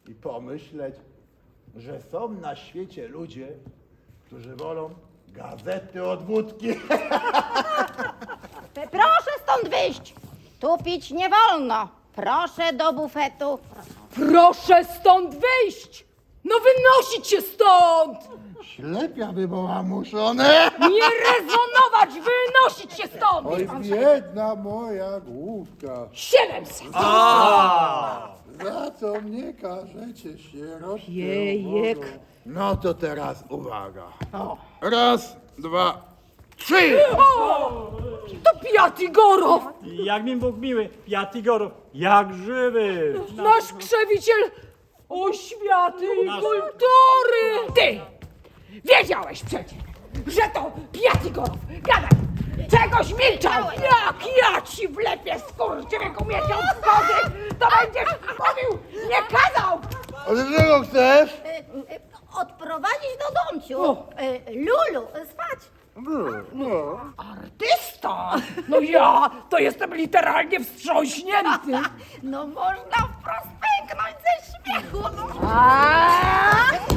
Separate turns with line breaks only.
i pomyśleć, że są na świecie ludzie, którzy wolą gazety od wódki.
Proszę stąd wyjść! Tu pić nie wolno! Proszę do bufetu!
Proszę stąd wyjść! No wynosić się stąd!
Ślepia by była muszone.
Nie rezonować! Wynosić się stąd!
Oj, biedna moja główka,
700!
za co mnie karzecie sierotkę
Jejek.
ubożą?
No to teraz uwaga. Raz, dwa, trzy!
To Piat Igorow!
Jak mi Bóg miły, Jatigorów, jak żywy!
Nasz krzewiciel oświaty i kultury! Ty! Wiedziałeś przecież, że to Piat Igorow! Gadaj! Czegoś milczał! Jak ja ci wlepię skurczybyku miesiąc wody, to będziesz mówił, nie kazał!
Ale czego chcesz?
Odprowadzić do domciu! Lulu, spać!
Artysta! No ja to jestem literalnie wstrząśnięty!
No można wprost pęknąć ze śmiechu! No.
A!